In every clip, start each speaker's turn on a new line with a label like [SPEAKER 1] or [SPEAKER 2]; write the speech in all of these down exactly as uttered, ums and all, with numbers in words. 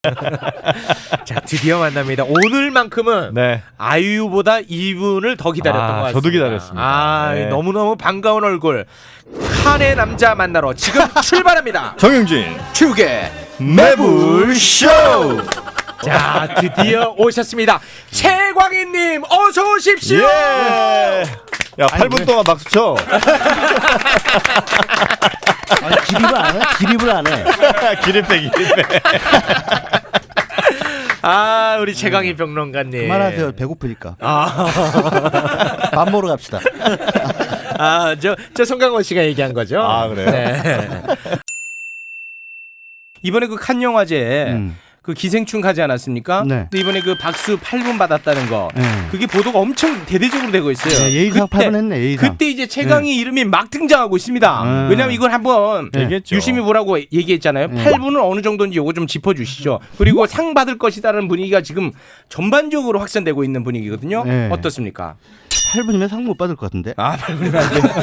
[SPEAKER 1] 자, 드디어 만납니다. 오늘만큼은
[SPEAKER 2] 네.
[SPEAKER 1] 아이유보다 이분을 더 기다렸던
[SPEAKER 2] 아,
[SPEAKER 1] 것 같습니다.
[SPEAKER 2] 저도 기다렸습니다.
[SPEAKER 1] 아,
[SPEAKER 2] 네.
[SPEAKER 1] 너무너무 반가운 얼굴. 칸의 남자 만나러 지금 출발합니다.
[SPEAKER 2] 정영진
[SPEAKER 1] 축의
[SPEAKER 2] 매불쇼.
[SPEAKER 1] 자, 드디어 오셨습니다. 최광희님 어서 오십시오.
[SPEAKER 2] 예. 야, 팔 분 동안 박수 쳐.
[SPEAKER 3] 아니, 기립을 안 해? 기립을 안 해.
[SPEAKER 2] 기립배 기립배.
[SPEAKER 1] 아, 우리 최광희 평론가님.
[SPEAKER 3] 그만하세요. 배고프니까.
[SPEAKER 1] 아,
[SPEAKER 3] 밥 먹으러 갑시다.
[SPEAKER 1] 아, 저, 저 송강호 씨가 얘기한 거죠.
[SPEAKER 2] 아, 그래요?
[SPEAKER 1] 네. 이번에 그 칸 영화제
[SPEAKER 3] 음.
[SPEAKER 1] 그 기생충 가지 않았습니까?
[SPEAKER 3] 네.
[SPEAKER 1] 근데 이번에 그 박수 팔 분 받았다는 거,
[SPEAKER 3] 네.
[SPEAKER 1] 그게 보도가 엄청 대대적으로 되고 있어요.
[SPEAKER 3] 네, 예의상
[SPEAKER 1] 그때,
[SPEAKER 3] 팔 분 했네. 예의상.
[SPEAKER 1] 그때 이제 최강희 이름이 막 등장하고 있습니다.
[SPEAKER 3] 네.
[SPEAKER 1] 왜냐면 이걸 한번
[SPEAKER 3] 네.
[SPEAKER 2] 얘기했죠.
[SPEAKER 1] 유심히 보라고 얘기했잖아요.
[SPEAKER 3] 네.
[SPEAKER 1] 팔 분은 어느 정도인지 요거 좀 짚어주시죠. 그리고 상 받을 것이다라는 분위기가 지금 전반적으로 확산되고 있는 분위기거든요.
[SPEAKER 3] 네.
[SPEAKER 1] 어떻습니까?
[SPEAKER 3] 팔 분이면 상 못 받을 것 같은데.
[SPEAKER 1] 아, 팔 분이면 안 돼요.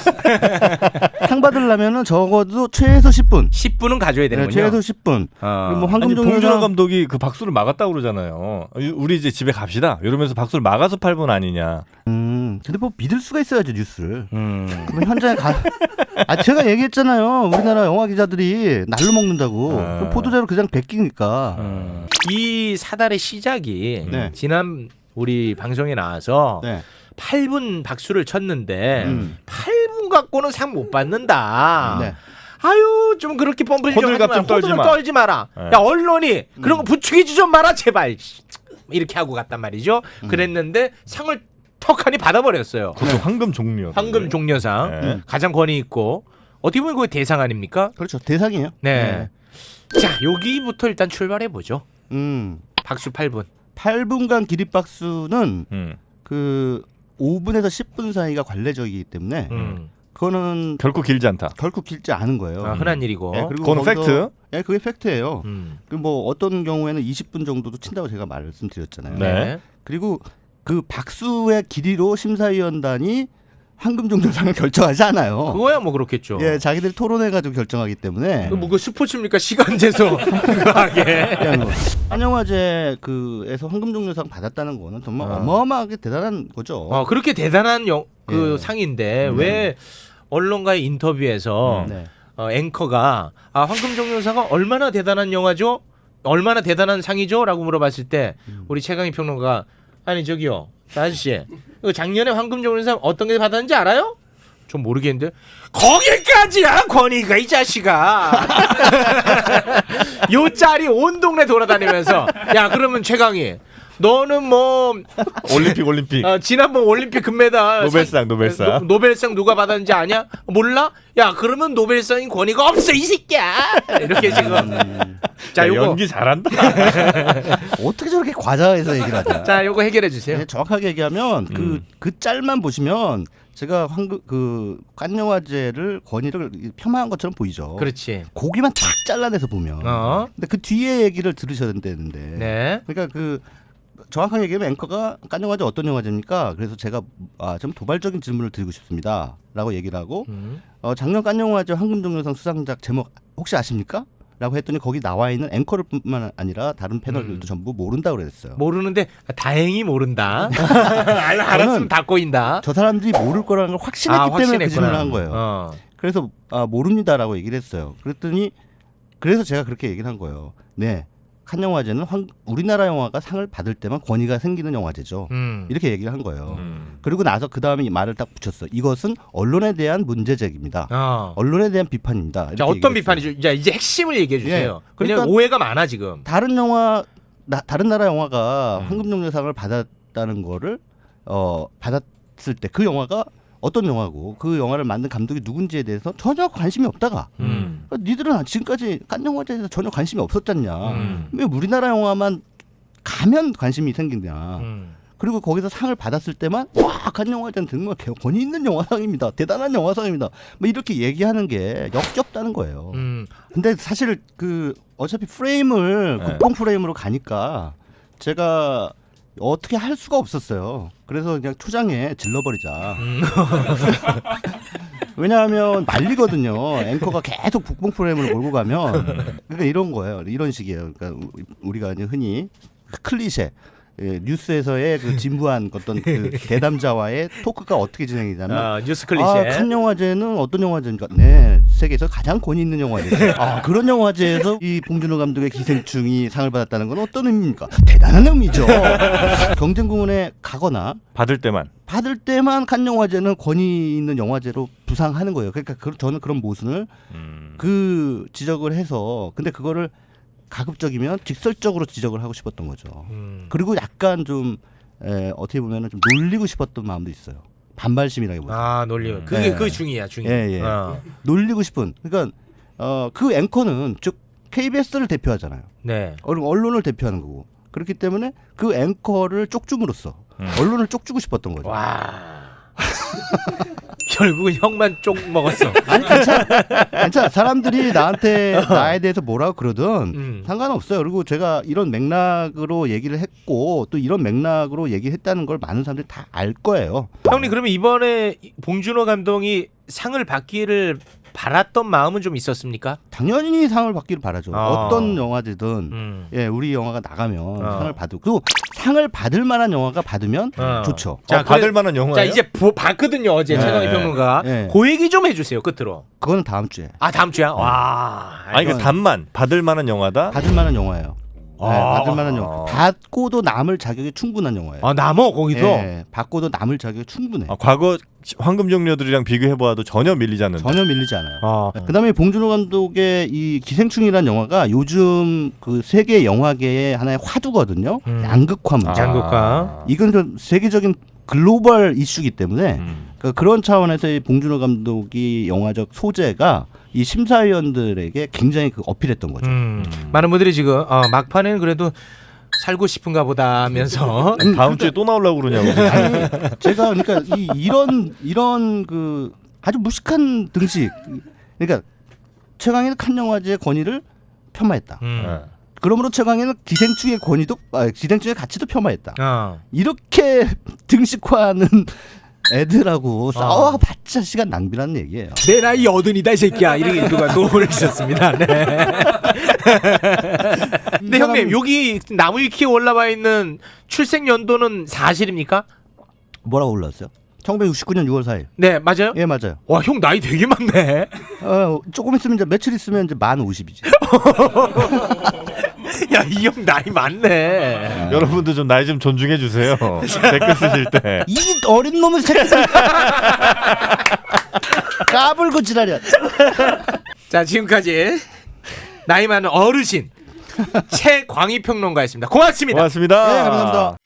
[SPEAKER 3] 상 받으려면은 적어도 최소 십 분.
[SPEAKER 1] 십 분은 가져야
[SPEAKER 3] 네,
[SPEAKER 1] 되는군요.
[SPEAKER 3] 최소 십 분.
[SPEAKER 1] 어.
[SPEAKER 3] 그리고 뭐
[SPEAKER 2] 아니,
[SPEAKER 3] 황금종려상
[SPEAKER 2] 봉준호 감독이 그 박수를 막았다고 그러잖아요. 우리 이제 집에 갑시다. 이러면서 박수를 막아서 팔 분 아니냐.
[SPEAKER 3] 음. 근데 뭐 믿을 수가 있어야죠, 뉴스를.
[SPEAKER 1] 음.
[SPEAKER 3] 그럼 현장에 가. 아, 제가 얘기했잖아요. 우리나라 영화 기자들이 날로 먹는다고.
[SPEAKER 2] 아.
[SPEAKER 3] 그럼 보도자료 그냥 베끼니까.
[SPEAKER 1] 음. 이 사달의 시작이
[SPEAKER 3] 네.
[SPEAKER 1] 지난 우리 방송에 나와서
[SPEAKER 3] 네.
[SPEAKER 1] 팔 분 박수를 쳤는데
[SPEAKER 3] 음.
[SPEAKER 1] 팔 분 갖고는 상 못 받는다.
[SPEAKER 3] 네.
[SPEAKER 1] 아유, 좀 그렇게 뻔뻔히 좀
[SPEAKER 2] 호들갑
[SPEAKER 1] 하지
[SPEAKER 2] 좀
[SPEAKER 1] 마라.
[SPEAKER 2] 떨지
[SPEAKER 1] 호들갑
[SPEAKER 2] 마.
[SPEAKER 1] 떨지 마라.
[SPEAKER 2] 네.
[SPEAKER 1] 야, 언론이 그런 거 부추기지 좀 마라 제발. 이렇게 하고 갔단 말이죠. 그랬는데 상을 턱하니 받아버렸어요.
[SPEAKER 2] 그것도 황금 종려.
[SPEAKER 1] 황금 종려상.
[SPEAKER 2] 네.
[SPEAKER 1] 가장 권위 있고 어떻게 보면 그게 대상 아닙니까?
[SPEAKER 3] 그렇죠. 대상이에요.
[SPEAKER 1] 네. 자, 여기부터 일단 출발해 보죠.
[SPEAKER 3] 음.
[SPEAKER 1] 박수 팔 분.
[SPEAKER 3] 팔 분간 기립박수는
[SPEAKER 2] 음.
[SPEAKER 3] 그 오 분에서 십 분 사이가 관례적이기 때문에
[SPEAKER 1] 음.
[SPEAKER 3] 그거는
[SPEAKER 2] 결코 길지 않다.
[SPEAKER 3] 결코 길지 않은 거예요.
[SPEAKER 1] 아, 흔한 일이고.
[SPEAKER 3] 예, 그리고
[SPEAKER 2] 그거는
[SPEAKER 3] 거기서-
[SPEAKER 2] 팩트.
[SPEAKER 3] 예, 그게 팩트예요.
[SPEAKER 1] 음.
[SPEAKER 3] 그 뭐 어떤 경우에는 이십 분 정도도 친다고 제가 말씀드렸잖아요.
[SPEAKER 2] 네.
[SPEAKER 3] 그리고 그 박수의 길이로 심사위원단이 황금종려상을 결정하지 않아요.
[SPEAKER 1] 그거야 뭐 그렇겠죠.
[SPEAKER 3] 예, 자기들이 토론해가지고 결정하기 때문에
[SPEAKER 1] 그 뭐 그 스포츠입니까? 시간 재서 그거 하게.
[SPEAKER 3] 한영화제 그에서 황금종려상 받았다는 거는 정말
[SPEAKER 1] 어.
[SPEAKER 3] 어마어마하게 대단한 거죠.
[SPEAKER 1] 어, 그렇게 대단한 영, 그
[SPEAKER 3] 예.
[SPEAKER 1] 상인데
[SPEAKER 3] 음.
[SPEAKER 1] 왜 언론과의 인터뷰에서
[SPEAKER 3] 네.
[SPEAKER 1] 어, 앵커가 아, 황금종려상가 얼마나 대단한 영화죠? 얼마나 대단한 상이죠? 라고 물어봤을 때
[SPEAKER 3] 음.
[SPEAKER 1] 우리 최강희 평론가 아니 저기요 아저씨 이거 작년에 황금종려상 어떤 게 받았는지 알아요? 좀 모르겠는데 거기까지야 권위가 이 자식아. 요 짤이 온 동네 돌아다니면서 야 그러면 최강희 너는 뭐
[SPEAKER 2] 올림픽 올림픽.
[SPEAKER 1] 어, 지난번 올림픽 금메달
[SPEAKER 2] 노벨상, 노벨상.
[SPEAKER 1] 노, 노벨상 누가 받았는지 아냐? 몰라? 야 그러면 노벨상인 권위가 없어 이 새끼야. 이렇게 지금 자
[SPEAKER 2] 야,
[SPEAKER 1] 요거
[SPEAKER 2] 연기 잘한다.
[SPEAKER 3] 어떻게 저렇게 과자에서 얘기를 하냐?
[SPEAKER 1] 자 요거 해결해 주세요.
[SPEAKER 3] 네, 정확하게 얘기하면 그
[SPEAKER 2] 음.
[SPEAKER 3] 그 짤만 보시면 제가 황금 그 깐영화제를 권위를 폄하한 것처럼 보이죠.
[SPEAKER 1] 그렇지.
[SPEAKER 3] 고기만 탁 잘라내서 보면.
[SPEAKER 1] 어.
[SPEAKER 3] 근데 그 뒤에 얘기를 들으셔야 되는데.
[SPEAKER 1] 네.
[SPEAKER 3] 그러니까 그 정확하게 얘기하면 앵커가 깐영화제 어떤 영화제입니까? 그래서 제가 아, 좀 도발적인 질문을 드리고 싶습니다.라고 얘기를 하고
[SPEAKER 1] 음.
[SPEAKER 3] 어, 작년 깐영화제 황금종려상 수상작 제목 혹시 아십니까? 라고 했더니 거기 나와 있는 앵커를뿐만 아니라 다른 패널들도
[SPEAKER 1] 음.
[SPEAKER 3] 전부 모른다고 그랬어요.
[SPEAKER 1] 모르는데 다행히 모른다. 알, 알았으면 다 꼬인다.
[SPEAKER 3] 저 사람들이 모를 거라는 걸 확신했기
[SPEAKER 1] 아,
[SPEAKER 3] 때문에 그
[SPEAKER 1] 확신했구나.
[SPEAKER 3] 질문을 한 거예요.
[SPEAKER 1] 어.
[SPEAKER 3] 그래서 아, 모릅니다라고 얘기를 했어요. 그랬더니 그래서 제가 그렇게 얘기를 한 거예요. 네, 칸 영화제는 황, 우리나라 영화가 상을 받을 때만 권위가 생기는 영화제죠.
[SPEAKER 1] 음.
[SPEAKER 3] 이렇게 얘기를 한 거예요.
[SPEAKER 2] 음.
[SPEAKER 3] 그리고 나서 그 다음에 이 말을 딱 붙였어. 이것은 언론에 대한 문제제기입니다.
[SPEAKER 1] 어.
[SPEAKER 3] 언론에 대한 비판입니다. 이렇게
[SPEAKER 1] 자 어떤
[SPEAKER 3] 얘기를 했어요.
[SPEAKER 1] 비판이죠? 자 이제 핵심을 얘기해 주세요.
[SPEAKER 3] 예.
[SPEAKER 1] 그냥
[SPEAKER 3] 그러니까
[SPEAKER 1] 오해가 많아 지금.
[SPEAKER 3] 다른 영화 나, 다른 나라 영화가
[SPEAKER 1] 음.
[SPEAKER 3] 황금종려상을 받았다는 거를 어, 받았을 때 그 영화가 어떤 영화고 그 영화를 만든 감독이 누군지에 대해서 전혀 관심이 없다가
[SPEAKER 1] 음.
[SPEAKER 3] 그러니까 니들은 지금까지 깐 영화제에서 전혀 관심이 없었잖냐.
[SPEAKER 1] 음.
[SPEAKER 3] 왜 우리나라 영화만 가면 관심이 생기냐.
[SPEAKER 1] 음.
[SPEAKER 3] 그리고 거기서 상을 받았을 때만 와간 영화제는 정말 권위 있는 영화상입니다. 대단한 영화상입니다. 뭐 이렇게 얘기하는 게 역겹다는 거예요.
[SPEAKER 1] 음.
[SPEAKER 3] 근데 사실 그 어차피 프레임을
[SPEAKER 2] 네.
[SPEAKER 3] 국뽕 프레임으로 가니까 제가 어떻게 할 수가 없었어요. 그래서 그냥 초장에 질러버리자.
[SPEAKER 1] 음.
[SPEAKER 3] 왜냐하면 말리거든요. 앵커가 계속 국뽕 프로그램을 몰고 가면 그러니까 이런 거예요. 이런 식이에요. 그러니까 우리가 이제 흔히 클리셰 예, 뉴스에서의 그 진부한 어떤 그 대담자와의 토크가 어떻게 진행되냐면
[SPEAKER 1] 아, 뉴스 클리셰.
[SPEAKER 3] 아, 칸 영화제는 어떤 영화제입니까? 네, 세계에서 가장 권위 있는 영화제죠. 아, 그런 영화제에서 이 봉준호 감독의 기생충이 상을 받았다는 건 어떤 의미입니까? 대단한 의미죠. 경쟁공원에 가거나
[SPEAKER 2] 받을 때만.
[SPEAKER 3] 받을 때만 칸 영화제는 권위 있는 영화제로 부상하는 거예요. 그러니까 그, 저는 그런 모순을
[SPEAKER 2] 음.
[SPEAKER 3] 그 지적을 해서 근데 그거를 가급적이면 직설적으로 지적을 하고 싶었던 거죠.
[SPEAKER 1] 음.
[SPEAKER 3] 그리고 약간 좀 에, 어떻게 보면 좀 놀리고 싶었던 마음도 있어요. 반발심이라기보다
[SPEAKER 1] 아 논리. 그게
[SPEAKER 3] 네.
[SPEAKER 1] 그 중이야 중이.
[SPEAKER 3] 예, 예.
[SPEAKER 1] 어.
[SPEAKER 3] 놀리고 싶은. 그러니까 어, 그 앵커는 즉 케이비에스를 대표하잖아요.
[SPEAKER 1] 네.
[SPEAKER 3] 언- 언론을 대표하는 거고 그렇기 때문에 그 앵커를 쪽줌으로써
[SPEAKER 2] 음.
[SPEAKER 3] 언론을 쪽주고 싶었던 거죠.
[SPEAKER 1] 와. 결국은 형만 쪽 먹었어.
[SPEAKER 3] 아니 괜찮아, 괜찮아. 사람들이 나한테 나에 대해서 뭐라고 그러든
[SPEAKER 1] 음.
[SPEAKER 3] 상관없어요. 그리고 제가 이런 맥락으로 얘기를 했고 또 이런 맥락으로 얘기했다는 걸 많은 사람들이 다 알 거예요.
[SPEAKER 1] 형님 그러면 이번에 봉준호 감독이 상을 받기를 바랐던 마음은 좀 있었습니까?
[SPEAKER 3] 당연히 상을 받기를 바라죠.
[SPEAKER 1] 아.
[SPEAKER 3] 어떤 영화든
[SPEAKER 1] 음.
[SPEAKER 3] 예, 우리 영화가 나가면
[SPEAKER 1] 어.
[SPEAKER 3] 상을 받고 그리고 상을 받을 만한 영화가 받으면
[SPEAKER 1] 어.
[SPEAKER 3] 좋죠.
[SPEAKER 1] 자,
[SPEAKER 2] 어, 받을
[SPEAKER 1] 그래-
[SPEAKER 2] 만한 영화예요?
[SPEAKER 1] 자 이제 보, 봤거든요 어제
[SPEAKER 3] 네.
[SPEAKER 1] 최강희 평론가.
[SPEAKER 3] 네.
[SPEAKER 1] 그 얘기 좀 해주세요 끝으로.
[SPEAKER 3] 그거는 다음 주에
[SPEAKER 1] 아 다음 주야. 와.
[SPEAKER 2] 아니 그러니까 단만 받을 만한 영화다.
[SPEAKER 3] 받을 만한 영화예요. 네,
[SPEAKER 1] 아.
[SPEAKER 3] 받을 만한 영화. 받고도 남을 자격이 충분한 영화예요.
[SPEAKER 1] 아 남어 거기서.
[SPEAKER 3] 예, 받고도 남을 자격이 충분해.
[SPEAKER 2] 아, 과거 황금종려들이랑 비교해 보아도 전혀 밀리지 않는다.
[SPEAKER 3] 전혀 밀리지 않아요.
[SPEAKER 1] 어.
[SPEAKER 3] 그다음에 봉준호 감독의 이 기생충이라는 영화가 요즘 그 세계 영화계의 하나의 화두거든요.
[SPEAKER 1] 음.
[SPEAKER 3] 양극화 문제.
[SPEAKER 1] 아. 양극화.
[SPEAKER 3] 이건 좀 세계적인 글로벌 이슈이기 때문에
[SPEAKER 2] 음.
[SPEAKER 3] 그 그런 차원에서 이 봉준호 감독이 영화적 소재가 이 심사위원들에게 굉장히 그 어필했던 거죠.
[SPEAKER 1] 음. 많은 분들이 지금 어, 막판에는 그래도 살고 싶은가 보다 하면서
[SPEAKER 3] 음,
[SPEAKER 2] 다음 주에 또 나오려고 그러냐고.
[SPEAKER 3] 아니 제가 그러니까 이, 이런 이런 그 아주 무식한 등식 그러니까 최강희는 칸 영화제의 권위를 폄하했다.
[SPEAKER 1] 음.
[SPEAKER 2] 네.
[SPEAKER 3] 그러므로 최강희는 기생충의 권위도 아, 기생충의 가치도 폄하했다.
[SPEAKER 1] 어.
[SPEAKER 3] 이렇게 등식화하는 애들하고 싸워봤자 시간 낭비라는 얘기예요.
[SPEAKER 1] 내 나이 여든이다 이 새끼야 이렇게 누가 또 보내주셨습니다. 네. 근데 형님 여기 나무 위키에 올라와 있는 출생 연도는 사실입니까?
[SPEAKER 3] 뭐라고 올라왔어요? 천구백육십구 년 유월 사일.
[SPEAKER 1] 네 맞아요.
[SPEAKER 3] 예 맞아요.
[SPEAKER 1] 와 형 나이 되게 많네.
[SPEAKER 3] 어, 조금 있으면 이제 며칠 있으면 이제 만 오십이지.
[SPEAKER 1] 야 이 형 나이 많네.
[SPEAKER 2] 여러분도 좀 나이 좀 존중해 주세요. 댓글 쓰실 때.
[SPEAKER 3] 이 어린 놈의 새끼. 까불고 지랄이야.
[SPEAKER 1] 자 지금까지 나이 많은 어르신 최광희 평론가였습니다. 고맙습니다.
[SPEAKER 2] 고맙습니다.
[SPEAKER 3] 네 감사합니다.